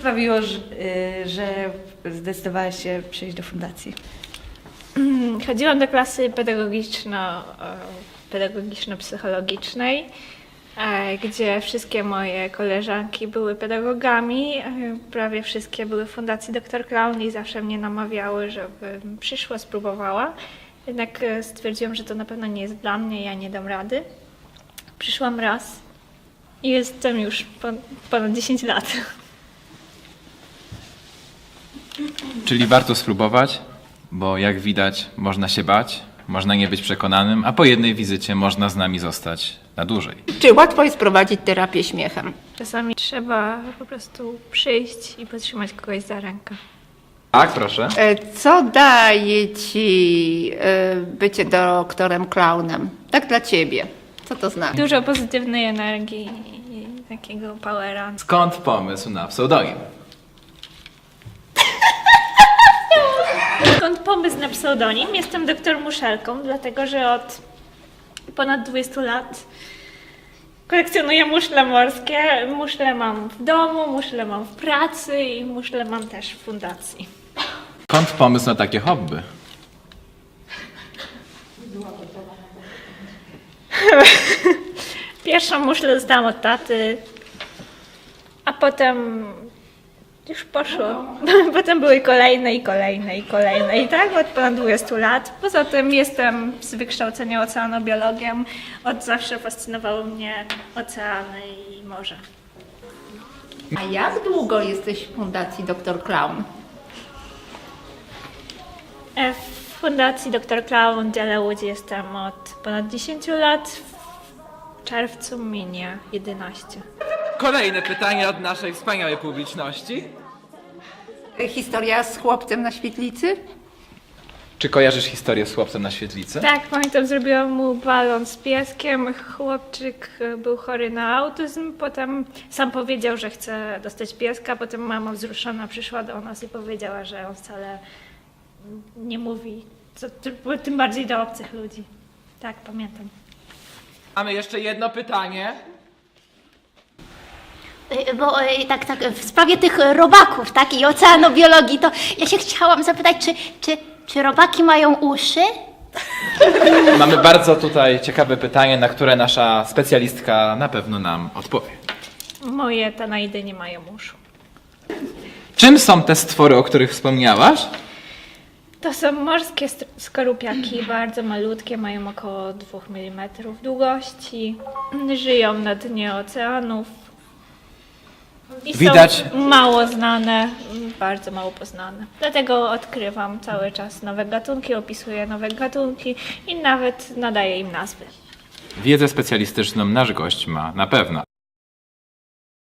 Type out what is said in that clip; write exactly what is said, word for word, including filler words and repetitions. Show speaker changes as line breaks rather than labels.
sprawiło, że, że zdecydowałaś się przyjść do fundacji?
Chodziłam do klasy pedagogiczno, pedagogiczno-psychologicznej, gdzie wszystkie moje koleżanki były pedagogami, prawie wszystkie były w Fundacji doktor Klaun i zawsze mnie namawiały, żebym przyszła, spróbowała. Jednak stwierdziłam, że to na pewno nie jest dla mnie, ja nie dam rady. Przyszłam raz i jestem już ponad dziesięć lat.
Czyli warto spróbować, bo jak widać można się bać, można nie być przekonanym, a po jednej wizycie można z nami zostać na dłużej.
Czy łatwo jest prowadzić terapię śmiechem?
Czasami trzeba po prostu przyjść i potrzymać kogoś za rękę.
Tak, proszę.
E, Co daje ci e, bycie doktorem klaunem? Tak dla ciebie. Co to znaczy?
Dużo pozytywnej energii i takiego powera.
Skąd pomysł na pseudonim?
Skąd pomysł na pseudonim? Jestem doktor Muszelką, dlatego że od ponad dwudziestu lat kolekcjonuję muszle morskie. Muszle mam w domu, muszle mam w pracy i muszle mam też w fundacji.
Skąd pomysł na takie hobby?
Pierwszą muszlę dostałam od taty, a potem już poszło. Potem były kolejne i kolejne i kolejne i tak od ponad dwudziestu lat. Poza tym jestem z wykształcenia oceanobiologiem. Od zawsze fascynowały mnie oceany i morze.
A jak długo jesteś w Fundacji doktor Klaun?
E, W Fundacji doktor Klaun w dziale Łódź jestem od ponad dziesięciu lat. W czerwcu minie jedenaście.
Kolejne pytanie od naszej wspaniałej publiczności.
Historia z chłopcem na świetlicy?
Czy kojarzysz historię z chłopcem na świetlicy?
Tak, pamiętam, zrobiłam mu balon z pieskiem. Chłopczyk był chory na autyzm, potem sam powiedział, że chce dostać pieska, potem mama wzruszona przyszła do nas i powiedziała, że on wcale nie mówi, co, tym bardziej do obcych ludzi. Tak, pamiętam.
Mamy jeszcze jedno pytanie.
Bo e, tak, tak, w sprawie tych robaków, tak, i oceanobiologii, to ja się chciałam zapytać, czy, czy, czy robaki mają uszy?
Mamy bardzo tutaj ciekawe pytanie, na które nasza specjalistka na pewno nam odpowie.
Moje tanaidy nie mają uszu.
Czym są te stwory, o których wspomniałaś?
To są morskie st- skorupiaki, bardzo malutkie, mają około dwóch milimetrów długości, żyją na dnie oceanów i
Widać-
są mało znane, bardzo mało poznane. Dlatego odkrywam cały czas nowe gatunki, opisuję nowe gatunki i nawet nadaję im nazwy.
Wiedzę specjalistyczną nasz gość ma na pewno.